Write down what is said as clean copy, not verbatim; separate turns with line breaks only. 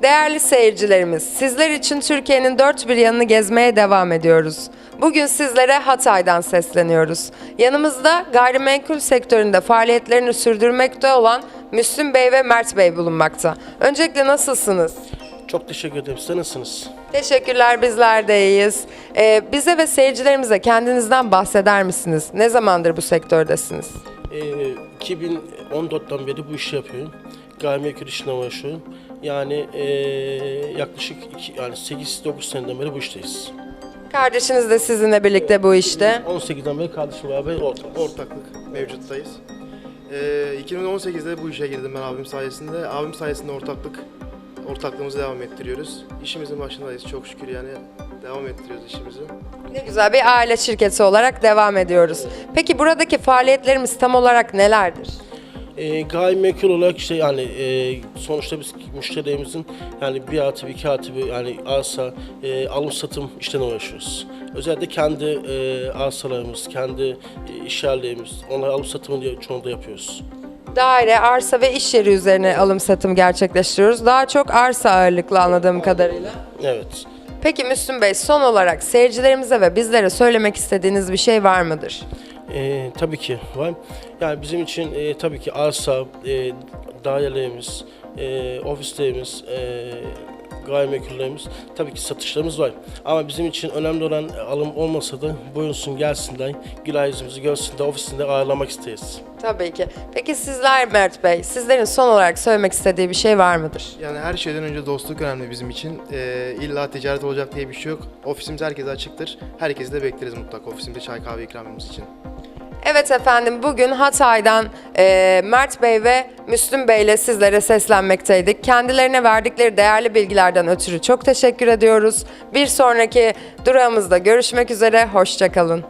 Değerli seyircilerimiz, sizler için Türkiye'nin dört bir yanını gezmeye devam ediyoruz. Bugün sizlere Hatay'dan sesleniyoruz. Yanımızda gayrimenkul sektöründe faaliyetlerini sürdürmekte olan Müslüm Bey ve Mert Bey bulunmakta. Öncelikle nasılsınız?
Çok teşekkür ederim. Siz nasılsınız?
Teşekkürler, bizler de iyiyiz. Bize ve seyircilerimize kendinizden bahseder misiniz? Ne zamandır bu sektördesiniz?
2014'ten beri bu işi yapıyorum. Gayrimenkul işine uğraşıyorum. Yani yaklaşık 8-9 seneden beri bu işteyiz.
Kardeşiniz de sizinle birlikte bu işte.
18'den beri kardeşim beraber
Ortaklık mevcuttayız. 2018'de bu işe girdim ben abim sayesinde. Abim sayesinde ortaklığımızı devam ettiriyoruz. İşimizin başındayız çok şükür yani devam ettiriyoruz işimizi.
Ne güzel, bir aile şirketi olarak devam ediyoruz. Peki buradaki faaliyetlerimiz tam olarak nelerdir?
Gayrimenkul olarak işte sonuçta biz müşterilerimizin yani 1+1, 2+1 yani arsa alım satım işlerine uğraşıyoruz. Özellikle kendi arsalarımız, kendi iş yerlerimiz, onları alım satımını çoğunlukla yapıyoruz.
Daire, arsa ve iş yeri üzerine alım satım gerçekleştiriyoruz. Daha çok arsa ağırlıklı anladığım kadarıyla.
Evet.
Peki Müslüm Bey, son olarak seyircilerimize ve bizlere söylemek istediğiniz bir şey var mıdır?
Tabii ki var. Yani bizim için tabii ki arsa, dairelerimiz, ofislerimiz, gayrimenkullerimiz, tabii ki satışlarımız var. Ama bizim için önemli olan alım olmasa da buyursun gelsinler, güler yüzümüzü görsünler, ofisinde ağırlamak isteriz.
Tabii ki. Peki sizler Mert Bey, sizlerin son olarak söylemek istediği bir şey var mıdır?
Yani her şeyden önce dostluk önemli bizim için. İlla ticaret olacak diye bir şey yok. Ofisimiz herkese açıktır. Herkesi de bekleriz mutlaka ofisimizde çay kahve ikramımız için.
Evet efendim, bugün Hatay'dan Mert Bey ve Müslüm Bey ile sizlere seslenmekteydik. Kendilerine verdikleri değerli bilgilerden ötürü çok teşekkür ediyoruz. Bir sonraki durağımızda görüşmek üzere, hoşça kalın.